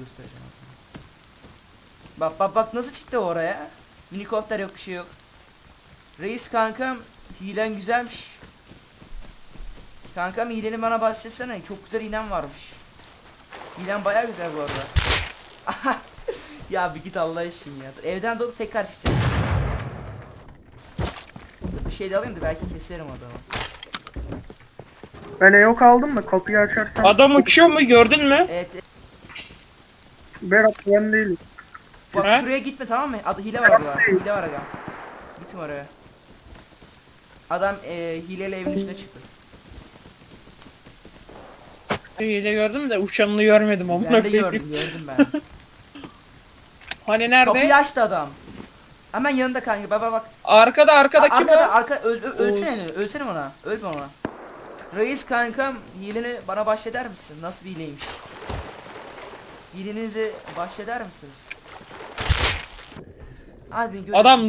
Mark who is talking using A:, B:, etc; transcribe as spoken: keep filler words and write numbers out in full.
A: göstereceğim. Bak bak bak nasıl çıktı oraya. Minikopter yok, bir şey yok. Reis kankam, hilen güzelmiş. Kankam hileni bana bahsetsene. Çok güzel hilen varmış. Hilen baya güzel bu arada. Ya bir git Allah için ya. Evden doğup tekrar çıkacağım. Bir şey de alayım da belki keserim adamı.
B: Ben yok aldım da kapıyı açarsan.
C: Adam uçuyor mu, gördün mü?
A: Evet, evet.
B: Berat ben değilim.
A: Bak
C: He?
A: şuraya gitme, tamam mı? Adı hile var orada. Hile var aga. Gitme oraya. Adam e, hileyle evin üstüne çıktı.
C: İyi de gördüm de uçanını görmedim amına
A: Ben de
C: koyayım.
A: gördüm, gördüm ben.
C: Hani nerede?
A: Kapıyı açtı adam. Hemen yanında kanka, baba bak.
C: Arkada arkada
A: A-
C: kim
A: arkada,
C: o?
A: arka öl, ö- ölsene, ölsene ona. Ölme ona. Reis kankam, hileni bana bahşeder misin? Nasıl bir hileymiş? Hilenizi bahşeder misiniz? Hadi görüşürüz.
C: Adam